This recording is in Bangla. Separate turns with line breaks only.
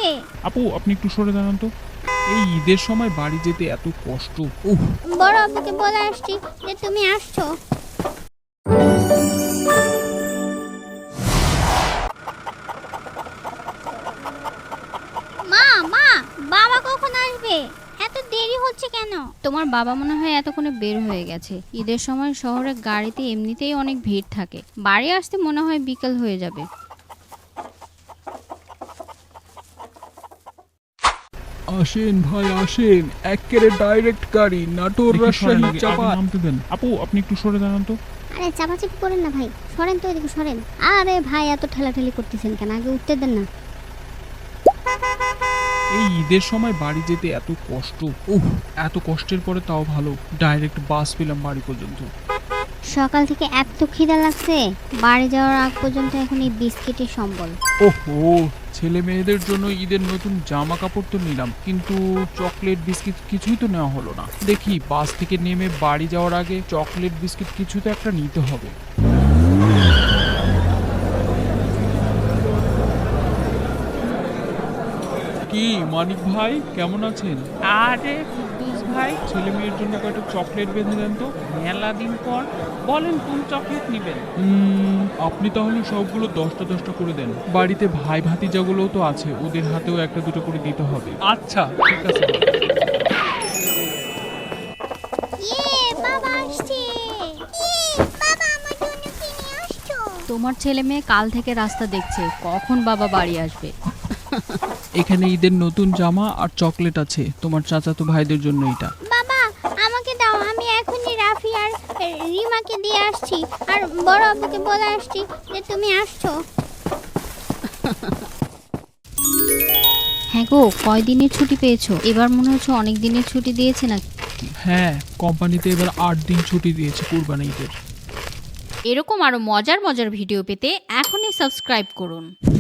আসবে?
আপু আপনি একটু সরে দাঁড়ান তো। এই ঈদের সময় বাড়ি যেতে এত কষ্ট। উফ।
বড় আব্বুকে বলে আসছি যে তুমি আসছো। মা মা, বাবা কখন আসবে? এত দেরি হচ্ছে কেন?
তোমার বাবা মনে হয় এতক্ষণে বের হয়ে গেছে। ঈদের সময় শহরে গাড়িতে এমনিতেই অনেক ভিড় থাকে, বাড়ি আসতে মনে হয় বিকেল হয়ে যাবে।
আসেন ভাই আসেন, একেবারে ডাইরেক্ট গাড়ি নাটোর
দেখি সরেন
রাজশাহী
আগে, আগে
চাপাত।
নামতে দেন। আপু আপনি একটু সরে দাঁড়ান তো।
আরে চাপাচাপি করেন না ভাই, সরেন তো, এদিকে সরেন। আরে ভাই এত ঠেলাঠেলি করতেছেন কেন? আগে উঠতে দেন না।
এই ঈদের সময় বাড়ি যেতে এত কষ্ট। উফ। এত কষ্টের পরে তাও ভালো ডাইরেক্ট বাস পেলাম বাড়ি পর্যন্ত।
সকাল থেকে এত খিদা লাগছে, বাড়ি যাওয়ার আগ পর্যন্ত এখন এই বিস্কিটের সম্বল।
ওহো, ছেলে মেয়েদের জন্য ঈদের নতুন জামা কাপড় তো নিলাম, কিন্তু চকলেট বিস্কিট কিছুই তো নেওয়া হলো না। দেখি বাস থেকে নেমে বাড়ি যাওয়ার আগে চকলেট বিস্কিট কিছু তো একটা নিতে হবে। কি মানিক ভাই, কেমন আছেন?
আরে কুদ্দুস ভাই,
ছেলে মেয়ের জন্য কয়েকটা চকলেট বেঁধে দেন তো।
মেলা দিন পর বলেন কোন চকলেট নেবেন?
আপনি তাহলে সবগুলো 10টা 10টা করে দেন। বাড়িতে ভাই ভাতিজাগুলোও তো আছে, ওদের হাতেও একটা দুটো করে দিতে হবে।
আচ্ছা ঠিক আছে।
ইয়ে, বাবা আসছে। বাবা আমার জন্য কি নিয়ে আসছো?
তোমার ছেলে মেয়ে কাল থেকে রাস্তা দেখছে কখন বাবা বাড়ি আসবে।
এখানে ঈদের নতুন জামা আর চকলেট আছে তোমার চাচাতো ভাইদের জন্য। এটা
বাবা আমাকে দাও, আমি এখনই রাফি আর রিমাকে দিয়ে আসছি, আর বড় আব্বুকে বলে আসছি যে তুমি আসছো।
হ্যাঁ গো, কয়দিনের ছুটি পেয়েছো? এবার মনে হচ্ছে অনেক দিনের ছুটি দিয়েছে না?
হ্যাঁ, কোম্পানিতে এবার 8 দিন ছুটি দিয়েছে কুরবানি ঈদের।
এরকম আরো মজার মজার ভিডিও পেতে এখনই সাবস্ক্রাইব করুন।